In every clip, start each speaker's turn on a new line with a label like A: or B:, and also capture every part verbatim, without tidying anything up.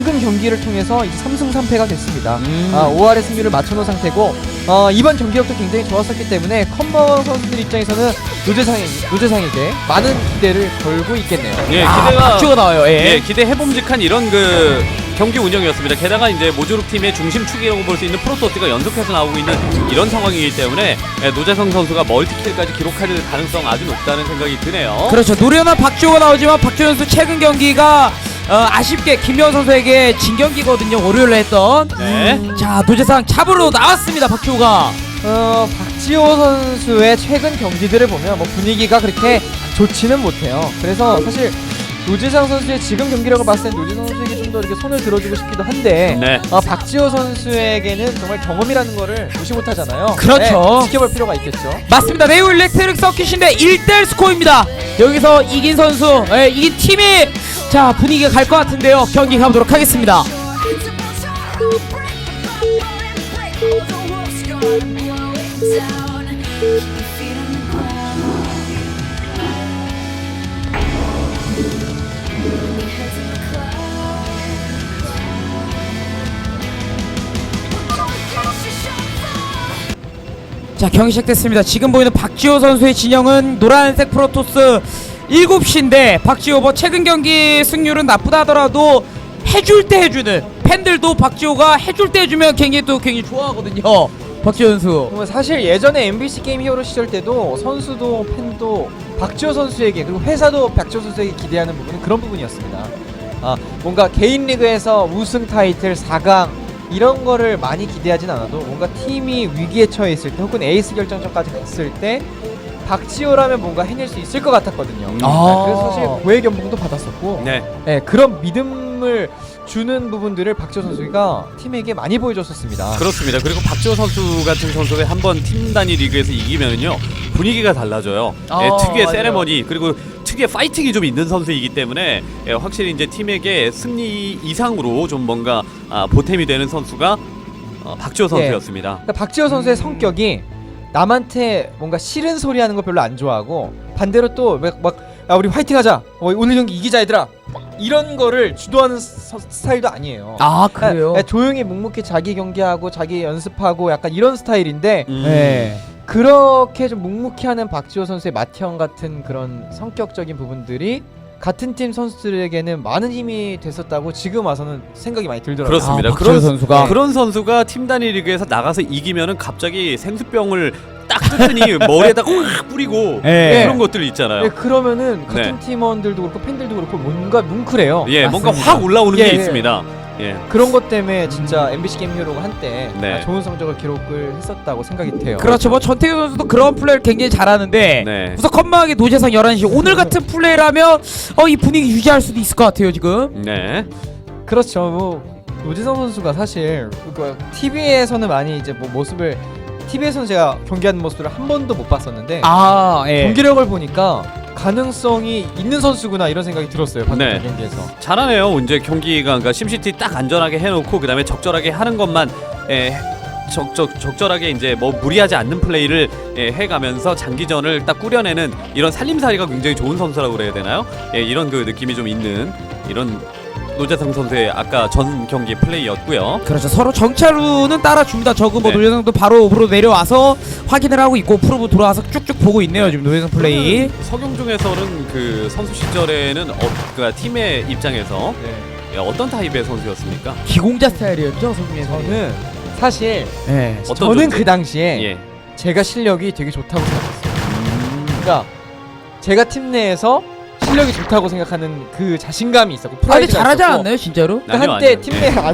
A: 방금 경기를 통해서 이제 삼승 삼패가 됐습니다.
B: 음.
A: 아, 오 할의 승률을 맞춰놓은 상태고 어, 이번 경기력도 굉장히 좋았었기 때문에 컴버 선수들 입장에서는 노재상에, 노재상에게 많은 기대를 걸고 있겠네요.
B: 예,
C: 아,
B: 기대가
C: 박주호가 나와요. 예.
B: 예, 기대해봄직한 이런 그 경기 운영이었습니다. 게다가 이제 모조룩 팀의 중심축이라고 볼 수 있는 프로토스가 연속해서 나오고 있는 이런 상황이기 때문에 예, 노재성 선수가 멀티킬까지 기록할 가능성 아주 높다는 생각이 드네요.
C: 그렇죠. 노련한 박주호가 나오지만 박주호 선수 최근 경기가 어, 아쉽게 김명훈 선수에게 진 경기거든요. 월요일에 했던.
B: 네.
C: 음, 자, 노재상 잡으러 나왔습니다. 박주호가.
A: 어, 박지호 선수의 최근 경기들을 보면 뭐 분위기가 그렇게 좋지는 못해요. 그래서 사실 노재상 선수의 지금 경기력을 봤을 땐 노재상 선수에게 좀 더 이렇게 손을 들어주고 싶기도 한데
B: 네.
A: 어, 박지호 선수에게는 정말 경험이라는 거를 무시 못하잖아요.
C: 그렇죠.
A: 네, 지켜볼 필요가 있겠죠.
C: 맞습니다. 네오 일렉트릭 서킷인데 일 대 일 스코어입니다. 여기서 이긴 선수, 예, 이긴 팀이 자 분위기가 갈 것 같은데요. 경기 가보도록 하겠습니다. 자, 경기 시작됐습니다. 지금 보이는 박지호 선수의 진영은 노란색 프로토스 일곱 시인데 박지호 뭐 최근 경기 승률은 나쁘다 하더라도 해줄 때 해주는 팬들도 박지호가 해줄 때 해주면 굉장히 또 굉장히 좋아하거든요. 박지호 선수.
A: 뭐 사실 예전에 엠비씨 게임 히어로 시절 때도 선수도 팬도 박지호 선수에게 그리고 회사도 박지호 선수에게 기대하는 부분은 그런 부분이었습니다. 아, 뭔가 개인 리그에서 우승 타이틀 사 강 이런 거를 많이 기대하진 않아도 뭔가 팀이 위기에 처해 있을 때 혹은 에이스 결정전까지 갔을 때 박지호라면 뭔가 해낼 수 있을 것 같았거든요.
B: 음.
A: 아, 그래서 사실 고액 연봉도 받았었고
B: 네.
A: 네, 그런 믿음을 주는 부분들을 박지호 선수가 팀에게 많이 보여줬었습니다.
B: 그렇습니다. 그리고 박지호 선수 같은 선수가 한번 팀 단위 리그에서 이기면은요 분위기가 달라져요.
C: 아,
B: 예, 특유의
C: 맞아요.
B: 세레머니 그리고 특유의 파이팅이 좀 있는 선수이기 때문에 예, 확실히 이제 팀에게 승리 이상으로 좀 뭔가 아, 보탬이 되는 선수가 어, 박지호 선수였습니다.
A: 그러니까 박지호 선수의 성격이 남한테 뭔가 싫은 소리 하는 거 별로 안 좋아하고 반대로 또 막 야 우리 화이팅하자 어, 오늘 경기 이기자 얘들아 이런 거를 주도하는 서, 스타일도 아니에요.
C: 아, 그래요?
A: 그러니까 조용히 묵묵히 자기 경기하고 자기 연습하고 약간 이런 스타일인데
B: 음.
C: 네.
A: 그렇게 좀 묵묵히 하는 박지호 선수의 맏형 같은 그런 성격적인 부분들이 같은 팀 선수들에게는 많은 힘이 됐었다고 지금 와서는 생각이 많이 들더라고요.
B: 그렇습니다.
C: 아, 박지호
B: 그런
C: 선수가.
B: 그런 선수가 팀 단위 리그에서 나가서 이기면은 갑자기 생수병을 딱 뜯더니 머리에다가 확 뿌리고
C: 네.
B: 그런 것들 있잖아요.
A: 네, 그러면은 같은
B: 네.
A: 팀원들도 그렇고 팬들도 그렇고 뭔가 뭉클해요.
B: 예, 뭔가
C: 맞습니다.
B: 확 올라오는
A: 예,
B: 게
A: 예.
B: 있습니다. 예.
A: 그런 것 때문에 진짜 엠비씨 게임 히어로가 한때
B: 네.
A: 아, 좋은 성적을 기록을 했었다고 생각이 돼요.
C: 그렇죠. 뭐 전태규 선수도 그런 플레이를 굉장히 잘하는데
B: 네.
C: 우선 컴방의 노재상 열한 시 오늘 같은 플레이라면 어, 이 분위기 유지할 수도 있을 것 같아요 지금.
B: 네.
A: 그렇죠. 뭐 노재성 선수가 사실 그 티비에서는 많이 이제 뭐 모습을 티비에서는 제가 경기하는 모습을 한 번도 못 봤었는데
C: 아, 예.
A: 경기력을 보니까 가능성이 있는 선수구나 이런 생각이 들었어요. 방금
B: 네.
A: 경기에서.
B: 잘하네요. 이제 경기가 그러니까 심시티 딱 안전하게 해놓고 그 다음에 적절하게 하는 것만 에, 적적 적절하게 이제 뭐 무리하지 않는 플레이를 에, 해가면서 장기전을 딱 꾸려내는 이런 살림살이가 굉장히 좋은 선수라고 그래야 되나요? 예, 이런 그 느낌이 좀 있는 이런 노재성 선수의 아까 전 경기 플레이였고요.
C: 그렇죠. 서로 정찰로는 따라줍니다. 저그 뭐
B: 네.
C: 노재상도 바로 오프로 내려와서 확인을 하고 있고 프로브 들어와서 쭉쭉 보고 있네요. 지금 노재상 플레이.
B: 석용중에서는 그 선수 시절에는 어, 그 팀의 입장에서
A: 네.
B: 예, 어떤 타입의 선수였습니까?
C: 기공자 스타일이었죠, 성민에서는.
A: 저는 사실
C: 네.
B: 어떤
A: 저는
B: 존재?
A: 그 당시에
B: 예.
A: 제가 실력이 되게 좋다고 생각했어요.
B: 음,
A: 그러니까 제가 팀 내에서 실력이 좋다고 생각하는 그 자신감이 있었고
C: 아, 근데
A: 프라이드가
C: 잘하지
A: 있었고
C: 않았나요, 진짜로?
A: 그러니까
B: 아니요,
A: 한때
B: 아니요.
A: 팀
B: 예.
A: 내 아니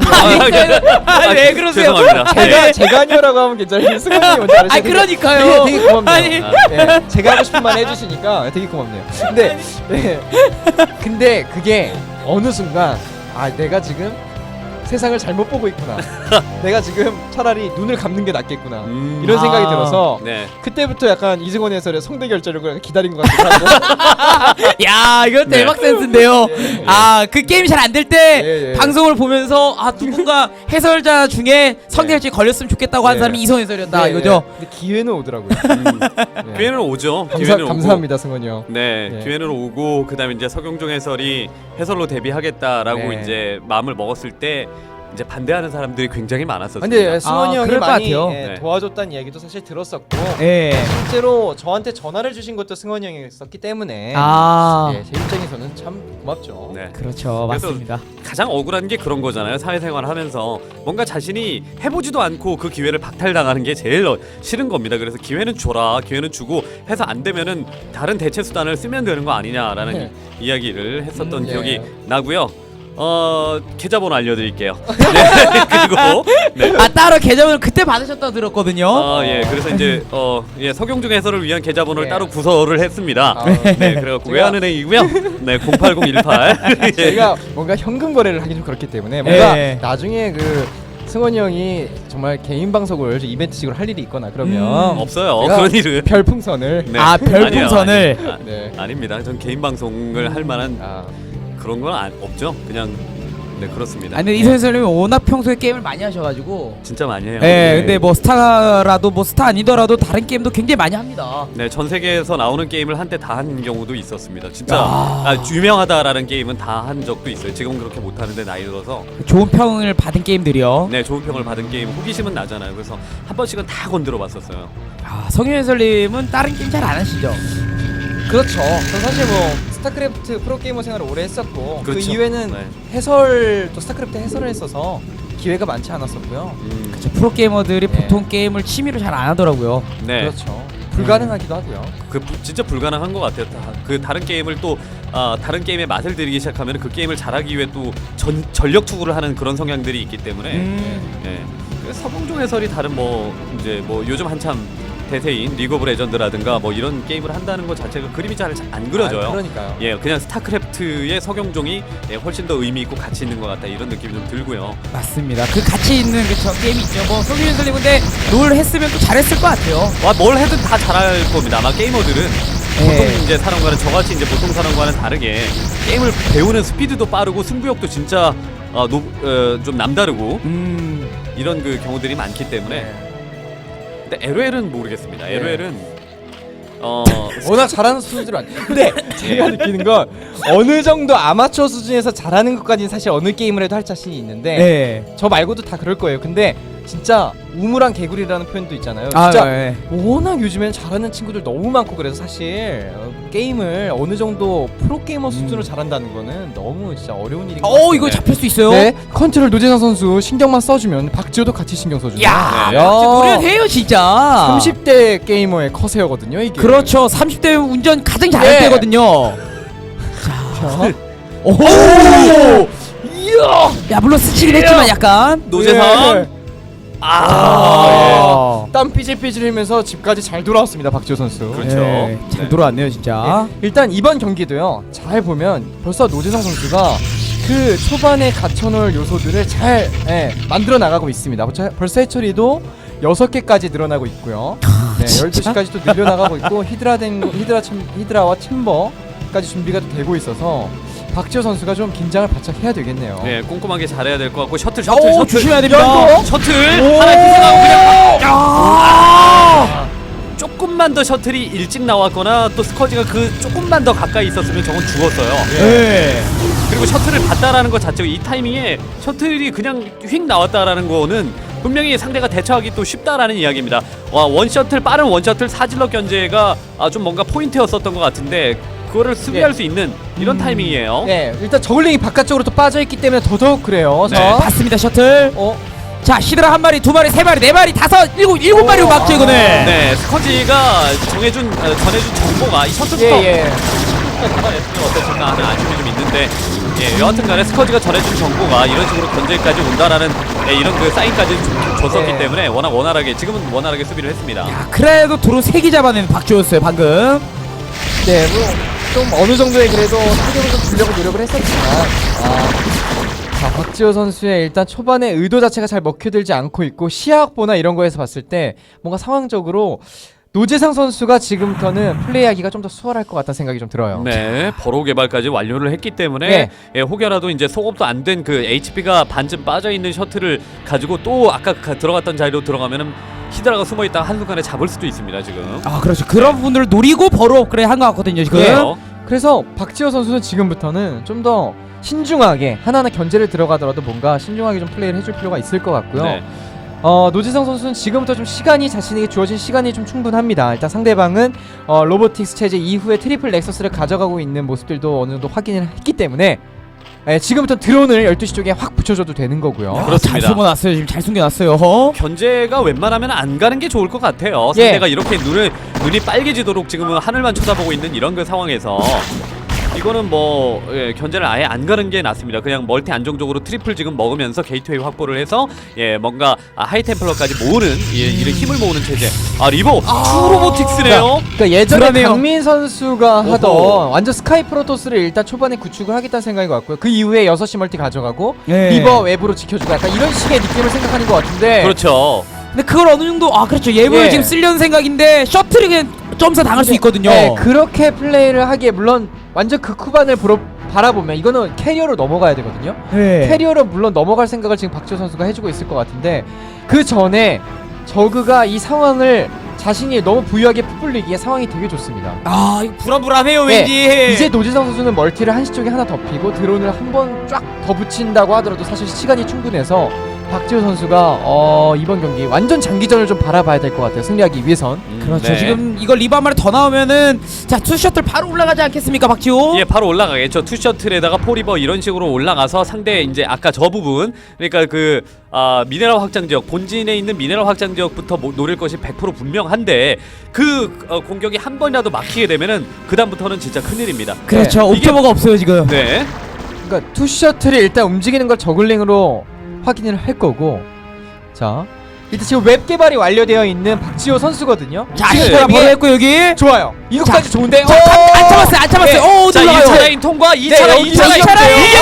C: 아, 왜 그러세요?
B: 죄송합니다.
A: 제가
B: 예.
A: 제가 아니오라고 하면 괜찮아요. 승관이 먼저 알으시죠.
C: 아, 그러니까요.
A: 되게, 되게 고맙네요.
C: 아니.
B: 아,
A: 예, 제가 하고 싶은 말 해주시니까 되게 고맙네요. 근데 예, 근데 그게 어느 순간 아 내가 지금 세상을 잘못 보고 있구나. 내가 지금 차라리 눈을 감는 게 낫겠구나.
B: 음.
A: 이런 생각이
C: 아.
A: 들어서
B: 네.
A: 그때부터 약간 이승원 해설의 성대 결절을 기다린 것 같기도 하고.
C: 야, 이거
B: 네.
C: 대박 센스인데요.
A: 예, 예.
C: 아, 그 게임이 잘 안 될 때
A: 예, 예.
C: 방송을 보면서 아, 누군가 해설자 중에 성대결절 걸렸으면 좋겠다고 한
A: 예.
C: 사람이 이성훈 해설이었다
A: 네,
C: 이거죠.
A: 네. 근데 기회는 오더라고요.
B: 음.
A: 네.
B: 기회는 오죠.
A: 감사,
B: 기회는 오고.
A: 감사합니다, 승원이 형.
B: 네,
A: 네.
B: 기회는 오고 그다음에 이제 서경종 해설이 해설로 데뷔하겠다라고
A: 네.
B: 이제 마음을 먹었을 때 이제 반대하는 사람들이 굉장히 많았었습니다.
A: 근데 승원이
C: 아,
A: 형이
C: 그럴 것
A: 많이
C: 같아요.
A: 예,
B: 네.
A: 도와줬다는 이야기도 사실 들었었고
C: 예.
A: 실제로 저한테 전화를 주신 것도 승원이 형이었기 때문에
C: 아,
A: 예, 제 입장에서는 참 고맙죠.
B: 네.
C: 그렇죠.
B: 그래서
C: 맞습니다.
B: 가장 억울한 게 그런 거잖아요. 사회생활을 하면서 뭔가 자신이 해보지도 않고 그 기회를 박탈당하는 게 제일 어- 싫은 겁니다. 그래서 기회는 줘라, 기회는 주고 해서 안 되면은 다른 대체 수단을 쓰면 되는 거 아니냐라는
A: 네.
B: 이- 이야기를 했었던
A: 음,
B: 기억이
A: 예.
B: 나고요. 어 계좌번호 알려드릴게요. 네, 그리고 네.
C: 아, 따로 계좌번호 그때 받으셨다고 들었거든요.
B: 아, 예. 그래서 이제 어, 예, 서경중 해설을 위한 계좌번호를
A: 예.
B: 따로 구설을 했습니다.
A: 아,
B: 네, 그래갖고 외환은행이고요. 네, 공팔공일팔.
A: 저희가 뭔가 현금 거래를 하기 좀 그렇기 때문에 뭔가
C: 예.
A: 나중에 그 승원이 형이 정말 개인 방송을 좀 이벤트식으로 할 일이 있거나 그러면
C: 음,
B: 없어요.
A: 제가
B: 그런 일은.
A: 별풍선을
B: 네.
C: 아, 별풍선을.
B: 아니에요, 아니에요.
A: 네.
B: 아, 아닙니다. 전 개인 방송을 할 만한
A: 아,
B: 그런 건 안, 없죠. 그냥 네, 그렇습니다.
C: 아니, 근데 이성훈 해설님이 워낙 평소에 게임을 많이 하셔가지고.
B: 진짜 많이 해요.
C: 예,
A: 네.
C: 근데 뭐 스타라도 뭐 스타 아니더라도 다른 게임도 굉장히 많이 합니다.
B: 네, 전 세계에서 나오는 게임을 한때 다 한 경우도 있었습니다. 진짜
C: 야.
B: 아, 유명하다라는 게임은 다 한 적도 있어요. 지금은 그렇게 못 하는데 나이 들어서
C: 좋은 평을 받은 게임들이요.
B: 네, 좋은 평을 받은 게임 호기심은 나잖아요. 그래서 한 번씩은 다 건드려 봤었어요.
C: 아, 성윤 해설님은 다른 게임 잘 안 하시죠?
A: 그렇죠. 저 사실 뭐 스타크래프트 프로게이머 생활을 오래 했었고 그
B: 그렇죠.
A: 이후에는
B: 네.
A: 해설 또 스타크래프트 해설을 했어서 기회가 많지 않았었고요.
B: 음,
C: 그쵸, 프로게이머들이
A: 네.
C: 보통 게임을 취미로 잘 안 하더라고요.
B: 네.
A: 그렇죠. 불가능하기도 하고요.
B: 그 부- 진짜 불가능한 것 같아요. 다, 그 다른 게임을 또 아, 다른 게임의 맛을 들이기 시작하면 그 게임을 잘하기 위해 또 전, 전력 투구를 하는 그런 성향들이 있기 때문에
C: 음.
B: 예. 그래서 서봉종 해설이 다른 뭐 이제 뭐 요즘 한참 대세인 리그 오브 레전드라든가 뭐 이런 게임을 한다는 것 자체가 그림이 잘 안 그려져요.
A: 아, 그러니까요.
B: 예, 그냥 스타크래프트의 서경종이 예, 훨씬 더 의미 있고 가치 있는 것 같다 이런 느낌이 좀 들고요.
C: 맞습니다. 그 가치 있는 그쵸 게임이 있죠. 뭐 성윤 해설님 근데 롤 했으면 또 잘했을 것 같아요.
B: 와, 뭘 해든 다 잘할 겁니다. 아마 게이머들은 보통
C: 예.
B: 이제 사람과는 저같이 이제 보통 사람과는 다르게 게임을 배우는 스피드도 빠르고 승부욕도 진짜 어, 노, 어, 좀 남다르고
C: 음.
B: 이런 그 경우들이 많기 때문에
A: 네.
B: 근데 엘오엘은 모르겠습니다.
A: 네.
B: 엘오엘은 어
A: 워낙 잘하는 수준으로 안. 근데 제가 느끼는 건 어느 정도 아마추어 수준에서 잘하는 것까지는 사실 어느 게임을 해도 할 자신이 있는데
C: 네.
A: 저 말고도 다 그럴 거예요. 근데 진짜 우물한 개구리라는 표현도 있잖아요.
C: 아,
A: 진짜
C: 네.
A: 워낙 요즘엔 잘하는 친구들 너무 많고 그래서 사실 어, 게임을 어느 정도 프로게이머 수준으로 잘한다는 거는 너무 진짜 어려운 일인 것 같아요.
C: 어, 이거 잡힐 수 있어요?
A: 네, 컨트롤 노재상 선수 신경만 써주면 박지호도 같이 신경 써주죠.
C: 야,
B: 네.
C: 노련해요 진짜.
A: 삼십 대 게이머의 커세어거든요 이게.
C: 그렇죠. 삼십 대 운전 가장 잘할
A: 네.
C: 때거든요.
A: 자.
C: 오!
A: 이야.
C: 야, 물론 스치긴 했지만 약간.
B: 노재상
A: 예.
B: 아,
C: 아.
A: 땀 삐질삐질 흘면서 집까지 잘 돌아왔습니다 박지호 선수.
B: 그렇죠.
C: 네, 잘
B: 네.
C: 돌아왔네요 진짜.
A: 일단 이번 경기도요. 잘 보면 벌써 노재상 선수가 그 초반에 갖춰놓을 요소들을 잘 예, 만들어 나가고 있습니다. 벌써- 벌써 해처리도 여섯 개까지 늘어나고 있고요. 네, 열두 시까지 또 늘려나가고 있고 히드라 된 히드라 챔, 히드라와 챔버까지 준비가 되고 있어서 박지호 선수가 좀 긴장을 바짝 해야 되겠네요.
B: 네, 꼼꼼하게 잘해야 될 것 같고 셔틀 셔틀
C: 오,
B: 셔틀
C: 조심해야 됩니다.
A: 연고?
B: 셔틀
A: 오!
B: 하나 기생하고 그냥
C: 아!
B: 조금만 더 셔틀이 일찍 나왔거나 또 스커지가 그 조금만 더 가까이 있었으면 저건 죽었어요.
C: 네.
B: 그리고 셔틀을 봤다라는 것 자체가 이 타이밍에 셔틀이 그냥 휙 나왔다라는 거는 분명히 상대가 대처하기 또 쉽다라는 이야기입니다. 와, 원 셔틀 빠른 원 셔틀 사질러 견제가 아, 좀 뭔가 포인트였었던 것 같은데 그거를 수비할
A: 예.
B: 수 있는 이런
C: 음.
B: 타이밍이에요.
A: 네, 일단 저글링이 바깥쪽으로 또 빠져 있기 때문에 더더욱 그래요.
B: 네,
A: 자,
C: 봤습니다 셔틀.
A: 어,
C: 자, 히드라 한 마리, 두 마리, 세 마리, 네 마리, 다섯, 일곱, 일곱 마리로
A: 오,
C: 막죠 이거는.
B: 네, 스커지가 정해준 어, 전해준 정보가 이 셔틀부터
A: 예, 예.
B: 잡아냈으면 어땠을까 하는 아쉬움이 좀 있는데 예, 여하튼간에 스커지가 전해준 정보가 이런 식으로 견제까지 온다라는 예, 이런 그 사인까지 좀 줬었기
A: 네.
B: 때문에 워낙 원활하게 지금은 원활하게 수비를 했습니다.
C: 야, 그래도 도로 세 개 잡아낸 박주호였어요 방금.
A: 네, 뭐 좀 어느 정도의 그래도 타격을 좀 주려고 노력을 했었지만 아, 자, 박지호 선수의 일단 초반에 의도 자체가 잘 먹혀들지 않고 있고 시야 확보나 이런 거에서 봤을 때 뭔가 상황적으로 노재상 선수가 지금부터는 플레이하기가 좀 더 수월할 것 같다는 생각이 좀 들어요.
B: 네, 버로 개발까지 완료를 했기 때문에
A: 네.
B: 예, 혹여라도 이제 소급도 안 된 그 에이치피가 반쯤 빠져 있는 셔틀을 가지고 또 아까 가, 들어갔던 자리로 들어가면은 히드라가 숨어 있다가 한순간에 잡을 수도 있습니다 지금.
C: 아 그렇죠. 그런 부분들을 노리고 버로 업그레이드 한 것 같거든요 지금.
A: 네.
B: 그래서
A: 그래서 박지호 선수는 지금부터는 좀 더 신중하게 하나하나 견제를 들어가더라도 뭔가 신중하게 좀 플레이를 해줄 필요가 있을 것 같고요.
B: 네.
A: 어, 노지성 선수는 지금부터 좀 시간이 자신에게 주어진 시간이 좀 충분합니다. 일단 상대방은 어, 로보틱스 체제 이후에 트리플 넥서스를 가져가고 있는 모습들도 어느 정도 확인을 했기 때문에 예, 지금부터 드론을 열두 시 쪽에 확 붙여줘도 되는 거고요.
C: 야,
B: 그렇습니다.
C: 잘 숨어놨어요. 지금 잘 숨겨놨어요. 어?
B: 견제가 웬만하면 안 가는 게 좋을 것 같아요.
A: 예.
B: 상대가 이렇게 눈을 눈이 빨개지도록 지금은 하늘만 쳐다보고 있는 이런 그 상황에서 이거는 뭐 예, 견제를 아예 안 가는 게 낫습니다. 그냥 멀티 안정적으로 트리플 지금 먹으면서 게이트웨이 확보를 해서 예 뭔가 아, 하이템플러까지 모으는 예, 이런 힘을 모으는 체제. 아 리버 투 로보틱스네요.
A: 그러니까 예전에
C: 불안해요.
A: 강민 선수가 하던
B: 오호.
A: 완전 스카이 프로토스를 일단 초반에 구축을 하겠다는 생각인 것 같고요. 그 이후에 여섯 시 멀티 가져가고
C: 네.
A: 리버 외부로 지켜주고 약간 이런 식의 느낌을 생각하는 것 같은데
B: 그렇죠.
C: 근데 그걸 어느 정도 아 그렇죠. 예보를
A: 예.
C: 지금 쓰려는 생각인데 셔틀이 그냥 점사 당할 수 있거든요.
A: 네, 그렇게 플레이를 하기에 물론 완전 그 쿠반을 보러, 바라보면 이거는 캐리어로 넘어가야 되거든요.
C: 네.
A: 캐리어로 물론 넘어갈 생각을 지금 박지호 선수가 해주고 있을 것 같은데 그 전에 저그가 이 상황을 자신이 너무 부유하게 풋불리기에 상황이 되게 좋습니다.
C: 아 이거 불안불안해요
A: 네,
C: 왠지.
A: 이제 노지성 선수는 멀티를 한시 쪽에 하나 더 피고 드론을 한 번 쫙 더 붙인다고 하더라도 사실 시간이 충분해서 박지호 선수가 어, 이번 경기 완전 장기전을 좀 바라봐야 될 것 같아요. 승리하기 위해선.
B: 음,
C: 그렇죠.
B: 네.
C: 지금 이거 리바 한 마리 더 나오면은 자 투 셔틀 바로 올라가지 않겠습니까, 박지호?
B: 예, 바로 올라가겠죠. 투 셔틀에다가 포리버 이런 식으로 올라가서 상대 이제 아까 저 부분 그러니까 그 아, 미네랄 확장 지역 본진에 있는 미네랄 확장 지역부터 모, 노릴 것이 백 퍼센트 분명한데 그 어, 공격이 한 번이라도 막히게 되면은 그 다음부터는 진짜 큰일입니다.
C: 그렇죠.
B: 네. 이게-
C: 옵저버가 없어요 지금.
B: 네.
A: 그러니까 투 셔틀이 일단 움직이는 걸 저글링으로 확인을 할 거고 자 일단 지금 웹 개발이 완료되어 있는 박지호 선수거든요.
C: 자
B: 지금
C: 히터가
A: 이게
C: 바로 했고 여기.
A: 좋아요. 이것까지 좋은데.
C: 자, 안, 안 참았어요, 안 참았어요.
A: 네.
C: 오,
B: 자,
C: 올라가요.
B: 일 차 라인 통과, 이 차
A: 네,
B: 라인,
A: 여기
B: 이 차 라인.
A: 이 차 라인.
B: 이게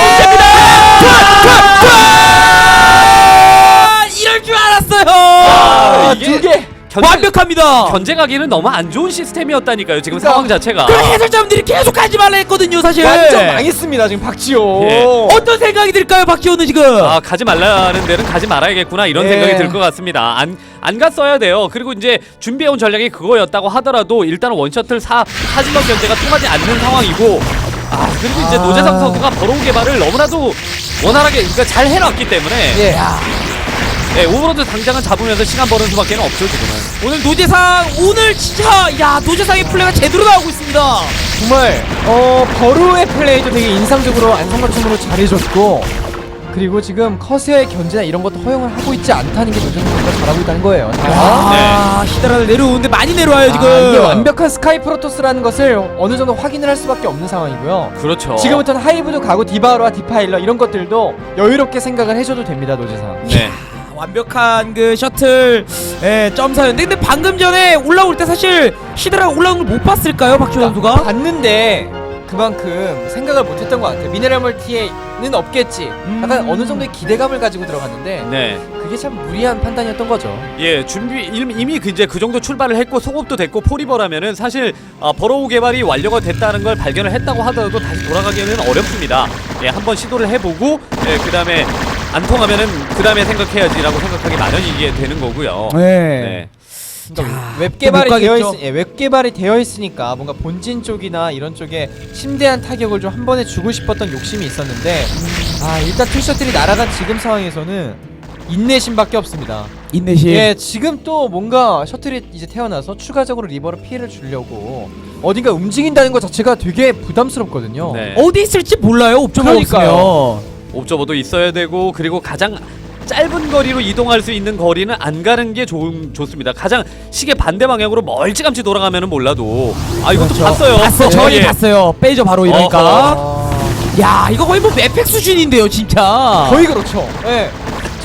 C: 아, 이럴 줄 알았어요.
A: 아,
B: 이게
A: 두 개.
B: 견제,
C: 완벽합니다.
B: 견제 가기는 너무 안 좋은 시스템이었다니까요. 지금
A: 그러니까.
B: 상황 자체가.
C: 그럼 해설자분들이 계속 가지 말라 했거든요, 사실.
A: 완전 망했습니다 지금 박지호.
B: 예.
C: 어떤 생각이 들까요, 박지호는 지금?
B: 아 가지 말라는 데는 가지 말아야겠구나 이런
A: 예.
B: 생각이 들 것 같습니다. 안 안 갔어야 돼요. 그리고 이제 준비해온 전략이 그거였다고 하더라도 일단 원셔틀 사 사질러 견제가 통하지 않는 상황이고 아 그리고 이제
A: 아.
B: 노재상 선수가 버로우 개발을 너무나도 원활하게 그러니까 잘 해놨기 때문에
A: 예.
B: 네, 오버로드 당장은 잡으면서 시간 버는 수밖에 없죠 지금은.
C: 오늘 노재상 오늘 진짜 야 노재상의 플레이가 제대로 나오고 있습니다.
A: 정말 어 버루의 플레이도 되게 인상적으로 안성맞춤으로 잘해줬고 그리고 지금 커세어의 견제나 이런 것도 허용을 하고 있지 않다는 게 노재상 선수가 잘하고 있다는 거예요. 자.
C: 아 히드라를 내려오는데 많이 내려와요 지금.
A: 아, 이게 완벽한 스카이 프로토스라는 것을 어느 정도 확인을 할 수밖에 없는 상황이고요.
B: 그렇죠.
A: 지금부터는 하이브도 가고 디바로와 디파일러 이런 것들도 여유롭게 생각을 해줘도 됩니다 노재상.
B: 네.
C: 완벽한 그 셔틀 예, 점사였는데 근데 방금 전에 올라올 때 사실 히드라가 올라온 걸 못 봤을까요 박지호 선수가?
A: 봤는데 그만큼 생각을 못했던 것 같아요. 미네랄 멀티에는 없겠지. 약간
C: 음.
A: 어느 정도의 기대감을 가지고 들어갔는데
B: 네.
A: 그게 참 무리한 판단이었던 거죠.
B: 예, 준비 이미, 이미 그 이제 그 정도 출발을 했고 소급도 됐고 포리버라면은 사실 아, 버로우 개발이 완료가 됐다는 걸 발견을 했다고 하더라도 다시 돌아가기에는 어렵습니다. 예, 한번 시도를 해보고 예, 그다음에 안 통하면은 그다음에 생각해야지라고 생각하기 마련이게 되는 거고요.
C: 네.
B: 네.
A: 그러니까
C: 자,
A: 웹 개발이
C: 못
A: 되어
C: 가겠죠.
A: 있, 예, 웹 개발이 되어 있으니까 뭔가 본진 쪽이나 이런 쪽에 심대한 타격을 좀 한 번에 주고 싶었던 욕심이 있었는데 아 일단 투셔틀이 날아간 지금 상황에서는 인내심밖에 없습니다.
C: 인내심.
A: 예, 지금 또 뭔가 셔틀이 이제 태어나서 추가적으로 리버로 피해를 주려고 어딘가 움직인다는 것 자체가 되게 부담스럽거든요.
B: 네.
C: 어디 있을지 몰라요 옵저버가
A: 그러니까요.
C: 없으면.
B: 옵저버도 있어야 되고 그리고 가장 짧은 거리로 이동할 수 있는 거리는 안 가는 게 좋, 좋습니다. 가장 시계 반대 방향으로 멀찌감치 돌아가면은 몰라도 아 이것도
C: 그렇죠.
B: 봤어요.
C: 봤어 저희
B: 예.
C: 봤어요. 빼죠 바로 이러니까.
B: 어허.
A: 아,
C: 야 이거 거의 뭐 맵팩 수준인데요 진짜.
A: 거의 그렇죠. 예.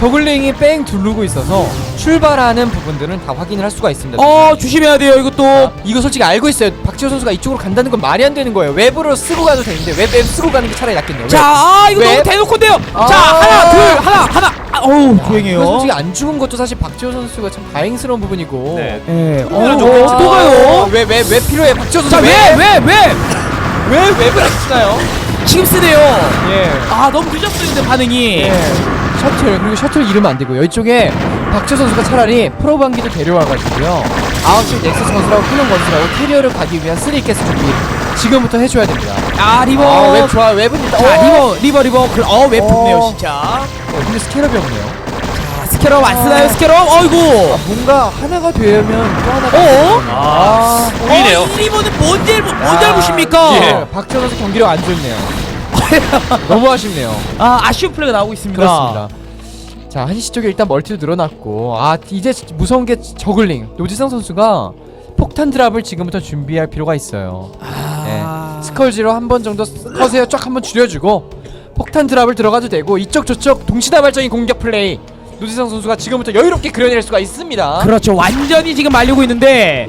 A: 저글링이 뺑 두르고 있어서 출발하는 부분들은 다 확인을 할 수가 있습니다.
C: 어 조심해야 돼요 이것도.
A: 아, 이거 솔직히 알고 있어요. 박지호 선수가 이쪽으로 간다는 건 말이 안 되는 거예요. 웹으로 쓰고 가도 되는데 웹, 웹 쓰고 가는 게 차라리 낫겠네요.
C: 자, 아 이거
A: 웹.
C: 너무 대놓고인데요.
A: 아.
C: 자, 하나, 둘, 하나, 하나. 아, 어우, 조용해요.
A: 이거 솔직히 안 죽은 것도 사실 박지호 선수가 참 다행스러운 부분이고.
B: 네.
C: 예.
B: 어,
C: 어,
B: 좀
C: 또 가요.
A: 왜왜왜 필요해 박지호 선수?
C: 자, 왜, 왜, 왜?
A: 왜 웹을 안 쓰나요?
C: 지금 쓰네요.
A: 예.
C: 아, 너무 늦었어요, 근데 반응이.
A: 예. 셔틀 그리고 셔틀 잃으면 안 되고요. 이쪽에 박지호 선수가 차라리 프로방기도 데려와가지고요. 아홉 시 넥서스 건설하고 클론 건설하고 캐리어를 가기 위한 쓰리캐스 준비 지금부터 해줘야 됩니다.
C: 아, 리버.
A: 아, 웹 좋아. 웹은 일단.
C: 자,
A: 오!
C: 리버, 리버, 리버. 그, 어, 웹 좋네요,
A: 어.
C: 진짜.
A: 어, 근데 스캐럽이 없네요.
C: 자, 스캐럽 안 쓰나요, 스캐럽? 어이구.
A: 아, 뭔가 하나가 되면 또 하나가.
C: 어?
B: 아, 보이네요.
C: 어, 이 리버는 뭔 잘, 뭔
A: 아,
C: 잘못입니까?
B: 예.
A: 박지호 선수 경기력 안 좋네요. 너무 아쉽네요.
C: 아, 아쉬운 플레이가 나오고 있습니다.
A: 그렇습니다. 자, 한시 쪽에 일단 멀티도 늘어났고, 아 이제 무서운 게 저글링. 노지성 선수가 폭탄 드랍을 지금부터 준비할 필요가 있어요.
C: 아.
A: 네. 스컬지로 한 번 정도 커세어 쫙 한번 줄여주고 폭탄 드랍을 들어가도 되고 이쪽 저쪽 동시다발적인 공격 플레이 노지성 선수가 지금부터 여유롭게 그려낼 수가 있습니다.
C: 그렇죠. 완전히 지금 말리고 있는데.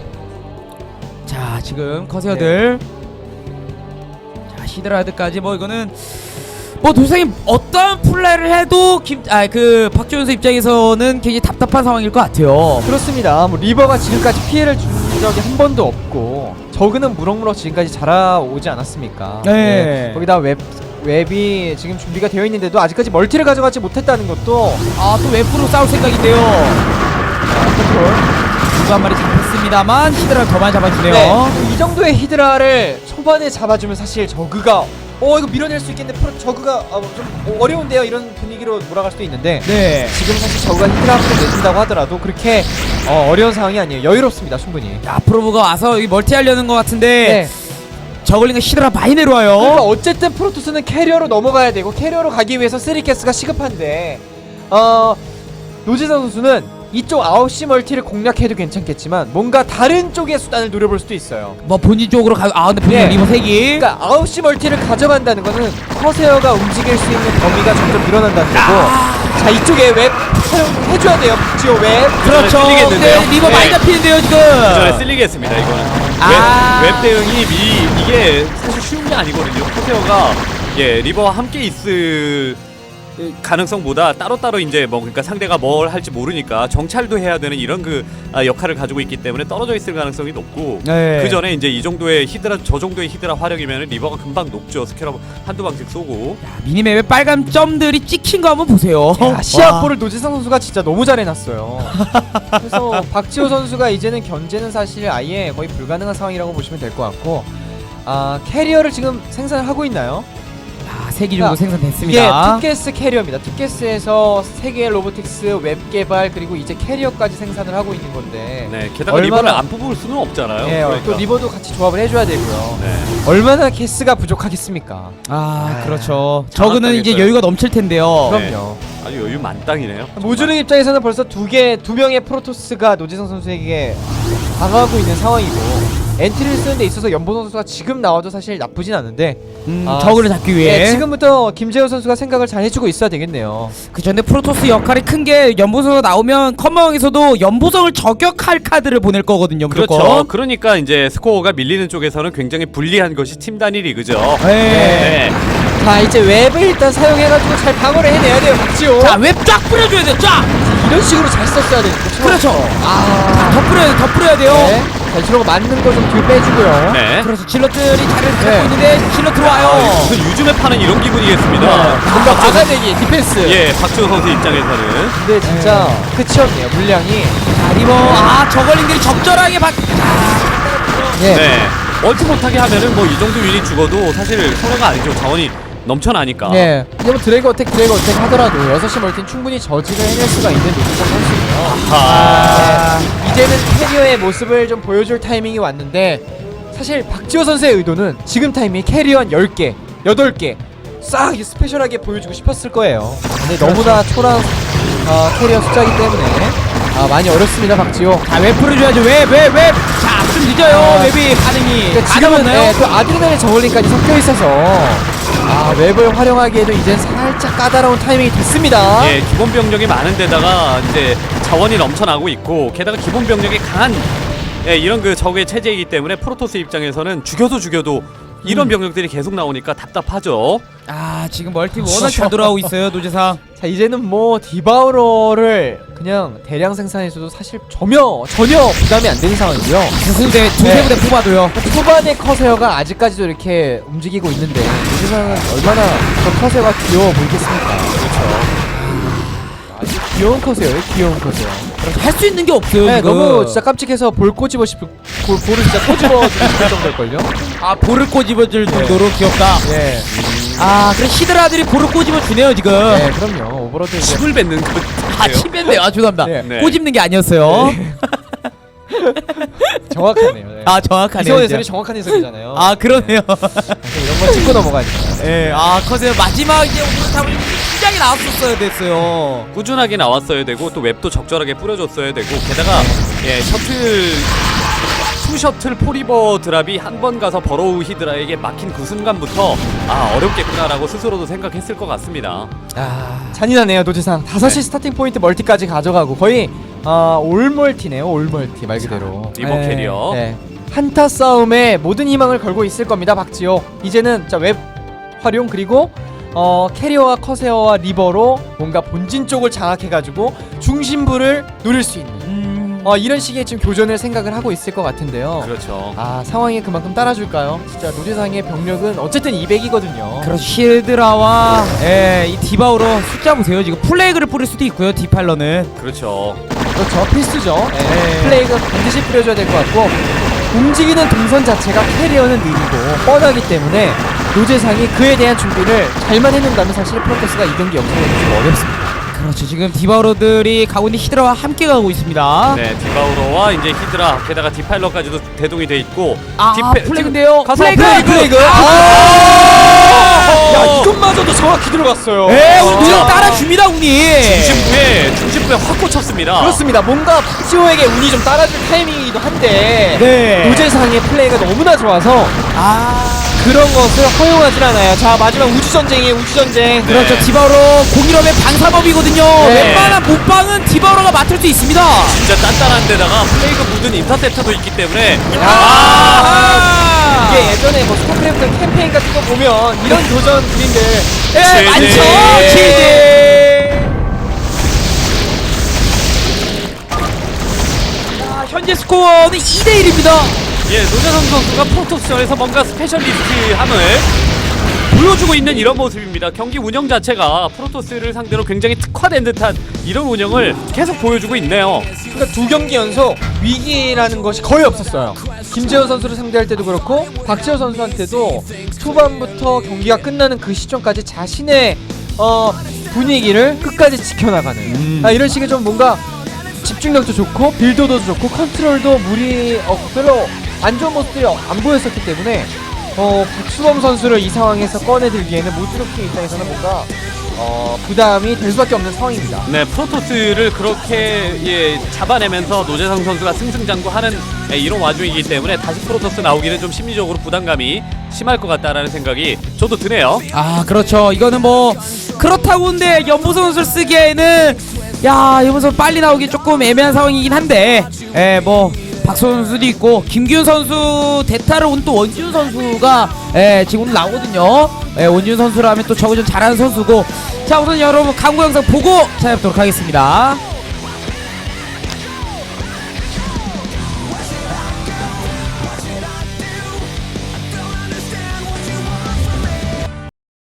C: 자, 지금 커세어들. 자, 히드라드까지 뭐 이거는 뭐 도생이 어떤 플레이를 해도 김 아 그 박지호 선수 입장에서는 굉장히 답답한 상황일 것 같아요.
A: 그렇습니다. 뭐 리버가 지금까지 피해를 준 적이 한 번도 없고 저그는 무럭무럭 지금까지 자라오지 않았습니까?
C: 네.
A: 거기다 웹 웹이 지금 준비가 되어 있는데도 아직까지 멀티를 가져가지 못했다는 것도
C: 아, 또 웹으로 싸울 생각인데요. 누구 한 마리 잡혔습니다만 히드라를 더 많이 잡아주네요.
A: 네. 이 정도의 히드라를 초반에 잡아주면 사실 저그가 어 이거 밀어낼 수 있겠는데 프로 저그가 어, 좀 어려운데요 이런 분위기로 몰아갈 수도 있는데
C: 네.
A: 지금 사실 저그가 히드라 한번 내준다고 하더라도 그렇게 어, 어려운 상황이 아니에요. 여유롭습니다 충분히.
C: 자, 프로브가 와서 이 멀티 하려는 것 같은데
A: 네.
C: 저글링과 히드라 많이 내려와요.
A: 그러니까 어쨌든 프로토스는 캐리어로 넘어가야 되고 캐리어로 가기 위해서 쓰리캐스가 시급한데 어 노지성 선수는 이쪽 아홉 시 멀티를 공략해도 괜찮겠지만 뭔가 다른 쪽의 수단을 노려볼 수도 있어요.
C: 뭐 본진 쪽으로 가. 아, 근데 본진
A: 네.
C: 리버 세 개.
A: 그러니까 아홉 시 멀티를 가져간다는 거는 커세어가 움직일 수 있는 범위가 점점 늘어난다는 거고 자 이쪽에 웹 사용해줘야 돼요. 박지호 웹.
C: 그렇죠.
B: 쓸리겠는데요?
C: 근데 리버
B: 네.
C: 많이 잡히는데요 지금.
B: 전에 쓸리겠습니다 이거는.
C: 아.
B: 웹, 웹 대응이 미리 이게 사실 쉬운 게 아니거든요. 커세어가 예 리버와 함께 있을 가능성보다 따로따로 이제 뭐 그러니까 상대가 뭘 할지 모르니까 정찰도 해야 되는 이런 그 아, 역할을 가지고 있기 때문에 떨어져 있을 가능성이 높고
C: 네.
B: 그 전에 이제 이 정도의 히드라 저 정도의 히드라 화력이면 리버가 금방 녹죠. 스캐럽 한두 방씩 쏘고.
C: 야, 미니맵에 빨간 점들이 찍힌 거 한번 보세요.
A: 야, 시합볼을 노지성 선수가 진짜 너무 잘해놨어요. 그래서 박지호 선수가 이제는 견제는 사실 아예 거의 불가능한 상황이라고 보시면 될 것 같고 아 캐리어를 지금 생산을 하고 있나요?
C: 아, 세 개 정도
A: 이게
C: 생산됐습니다.
A: 투게스 캐리어입니다. 투게스에서 세 개의 로보틱스 웹 개발 그리고 이제 캐리어까지 생산을 하고 있는 건데
B: 네 게다가
A: 얼마나-
B: 리버를 안 뽑을 수는 없잖아요.
A: 예,
B: 그러니까.
A: 또 리버도 같이 조합을 해줘야 되고요.
B: 네.
A: 얼마나 게스가 부족하겠습니까?
C: 아,
A: 아,
C: 그렇죠. 저그는 이제
B: 장악당했어요.
C: 여유가 넘칠 텐데요.
B: 네.
A: 그럼요.
B: 아주 여유 만땅이네요.
A: 모주능 입장에서는 벌써 두 개, 두 명의 프로토스가 노지성 선수에게 다가가고 있는 상황이고 엔트리를 쓰는 데 있어서 연보 선수가 지금 나와도 사실 나쁘진 않은데
C: 음,
A: 아,
C: 저그를 잡기 위해.
A: 네, 지금부터 김재호 선수가 생각을 잘 해주고 있어야 되겠네요.
C: 그쵸. 근데 프로토스 역할이 큰 게 연보성이 나오면 컴마왕에서도 연보성을 저격할 카드를 보낼 거거든요. 무조건.
B: 그렇죠. 그러니까 이제 스코어가 밀리는 쪽에서는 굉장히 불리한 것이 팀 단위 리그죠.
C: 네.
B: 네.
A: 자 이제 웹을 일단 사용해가지고 잘 방어를 해내야 돼요 박지호.
C: 자, 웹 쫙 뿌려줘야 돼요. 쫙.
A: 이런 식으로 잘 썼어야 되는데
C: 그렇죠.
A: 아
C: 더 뿌려야 돼. 더 뿌려야 돼요.
A: 네. 자 이런 거 맞는 거 좀 뒤로 빼주고요.
B: 네.
C: 그래서 질럿들이 자리를 잡고
A: 네.
C: 있는데 질럿 들어와요.
B: 무슨 요즘에 파는 이런 기분이겠습니다.
A: 뭔가 막아내기 디펜스.
B: 예, 박지호 선수 입장에서는
A: 근데 진짜 끝이 없네요 물량이.
C: 자, 리버. 아, 저걸링들이 적절하게 받.
A: 예.
B: 네. 얼티 못하게 하면은 뭐 이 정도 윈이 죽어도 사실 손해가 아니죠. 자원이 넘쳐나니까.
A: 예. 이제 뭐 드래그 어택 드래그 어택 하더라도 여섯 시 멀티는 충분히 저지를 해낼 수가 있는 노지성 선수예요.
B: 아.
A: 네. 이제는 캐리어의 모습을 좀 보여줄 타이밍이 왔는데 사실 박지호 선수의 의도는 지금 타이밍에 캐리어 한 열 개, 여덟 개 싹 스페셜하게 보여주고 싶었을 거예요. 근데 너무나 초란 어, 캐리어 숫자이기 때문에 아, 많이 어렵습니다 박지호.
C: 자, 웹 뿌려줘야죠. 웹, 웹, 웹. 자, 좀 늦어요.
A: 아.
C: 웹이 반응이.
A: 그러니까 지금은
C: 가능하나요?
A: 네, 또 아드레날린 저울링까지 섞여 있어서 아, 웹을 활용하기에도 이젠 살짝 까다로운 타이밍이 됐습니다.
B: 예, 기본 병력이 많은 데다가 이제 자원이 넘쳐나고 있고 게다가 기본 병력이 강한 예, 이런 그 적의 체제이기 때문에 프로토스 입장에서는 죽여도 죽여도 이런
A: 음.
B: 병력들이 계속 나오니까 답답하죠.
C: 아 지금 멀티 워낙 잘 돌아오고 있어요 노재상.
A: 자, 이제는 뭐 디바우러를 그냥 대량 생산해서도 사실 전혀 전혀 부담이 안 되는 상황이고요.
C: 두세 두세 부대 뽑아도요.
A: 초반의 커세어가 아직까지도 이렇게 움직이고 있는데 이 세상은 얼마나 더 커세어가 귀여워 보이겠습니까? 그렇죠. 아주 귀여운 커세어예요, 귀여운 커세어.
C: 할 수 있는 게 없어요
A: 네,
C: 지금.
A: 너무 진짜 깜찍해서 볼 꼬집어 싶을 볼, 볼을 진짜 꼬집어 싶을 정도일걸요?
C: 아 볼을 꼬집어줄 정도로 귀엽다.
A: 예,
C: 아 그래 히드라들이 볼을 꼬집어 주네요 지금.
A: 네, 그럼요. 오버로드 이제
B: 침을 뱉는 그
C: 아 침뱉네요. 아 죄송합니다.
A: 네.
B: 네.
C: 꼬집는 게 아니었어요.
A: 정확하네요. 네.
C: 아 정확하네요.
A: 이성원
C: 진짜.
A: 해설이 정확한 해설이잖아요.
C: 아 그러네요.
A: 이런 건 짚고 넘어가니까.
C: 예, 아 커세어 마지막 이제 오늘 타블 시작이 나왔었어야 됐어요.
B: 꾸준하게 나왔어야 되고 또 웹도 적절하게 뿌려줬어야 되고 게다가 예 셔틀 투 셔틀 포리버 드랍이 한 번 가서 버로우 히드라에게 막힌 그 순간부터 아 어렵겠구나라고 스스로도 생각했을 것 같습니다.
A: 아, 잔인하네요, 노재상. 다섯 시
B: 네.
A: 스타팅 포인트 멀티까지 가져가고 거의 아, 올 멀티네요, 올 멀티 말 그대로.
B: 리버
C: 네.
B: 캐리어.
A: 네. 한타 싸움에 모든 희망을 걸고 있을 겁니다, 박지호. 이제는 자, 웹 활용 그리고 어, 캐리어와 커세어와 리버로 뭔가 본진 쪽을 장악해가지고 중심부를 노릴 수 있는
C: 음,
A: 어, 이런 식의 지금 교전을 생각을 하고 있을 것 같은데요.
B: 그렇죠.
A: 아, 상황이 그만큼 따라줄까요? 진짜 노재상의 병력은 어쨌든 이백이거든요.
C: 그렇죠. 히드라와 예, 이 디바우로 숫자 보세요. 지금 플레이그를 뿌릴 수도 있고요. 디팔러는.
B: 그렇죠.
A: 그렇죠, 필수죠. 예.
C: 네.
A: 플레이가 반드시 뿌려줘야 될 것 같고 움직이는 동선 자체가 캐리어는 느리고 뻔하기 때문에 노재상이 그에 대한 준비를 잘만 해놓는다면 사실 프로토스가 이 경기 역전이 좀 어렵습니다.
C: 그렇죠. 지금 디바우로들이 가고 있는 히드라와 함께 가고 있습니다.
B: 네, 디바우로와 이제 히드라 게다가 디파일러까지도 대동이 돼 있고
C: 아,
B: 디페-
C: 플레이인데요.
B: 가서
C: 플레이그!
B: 플레이그!
A: 플레이그!
C: 아!
A: 야, 이것마저도 정확히 들어갔어요.
C: 예,
A: 아.
C: 운이 따라줍니다, 운이.
B: 중심부에 중심부에 확 꽂혔습니다.
A: 그렇습니다. 뭔가 박지호에게 운이 좀 따라줄 타이밍이기도 한데
C: 네.
A: 노재상의 플레이가 너무나 좋아서
C: 아.
A: 그런 것을 허용하진 않아요. 자, 마지막 우주전쟁이에요, 우주전쟁.
C: 그렇죠. 디바우로 공일업의 방사법이거든요.
A: 네.
C: 웬만한 못방은 디바우로가 맡을 수 있습니다.
B: 진짜 단단한 데다가 플레이그 묻은 인터셉터도 있기 때문에
C: 아.
A: 이게 예전에 뭐 스타크래프트 캠페인 같은 거 보면 이런 교전 그림들
C: 예,
B: 제제.
C: 많죠. 제제. 자, 현재 스코어는 이 대 일입니다.
B: 예, 노재성 선수가 프로토스전에서 뭔가 스페셜리스트함을 보여주고 있는 이런 모습입니다. 경기 운영 자체가 프로토스를 상대로 굉장히 특화된 듯한 이런 운영을 계속 보여주고 있네요.
A: 그러니까 두 경기 연속 위기라는 것이 거의 없었어요. 김재호 선수를 상대할 때도 그렇고 박지호 선수한테도 초반부터 경기가 끝나는 그 시점까지 자신의 어, 분위기를 끝까지 지켜나가는
B: 음.
A: 아, 이런 식의 좀 뭔가 집중력도 좋고 빌드도 좋고 컨트롤도 무리 어, 별로 안 좋은 모습들이 안 보였었기 때문에 어, 박수범 선수를 이 상황에서 꺼내들기에는 모드로킹 입장에서는 뭔가 어, 부담이 될 수밖에 없는 상황입니다.
B: 네, 프로토스를 그렇게 예, 잡아내면서 노재성 선수가 승승장구하는 예, 이런 와중이기 때문에 다시 프로토스 나오기는 좀 심리적으로 부담감이 심할 것 같다라는 생각이 저도 드네요.
C: 아 그렇죠. 이거는 뭐 그렇다고 근데 연보선 선수를 쓰기에는 야 연보선 빨리 나오기 조금 애매한 상황이긴 한데 에뭐 박소 선수도 있고 김기훈 선수 대타를 온 또 원지훈 선수가 에 지금 오늘 나오거든요. 에 원지훈 선수라면 또 저거 좀 잘하는 선수고 자 우선 여러분 광고 영상 보고 찾아뵙도록 하겠습니다.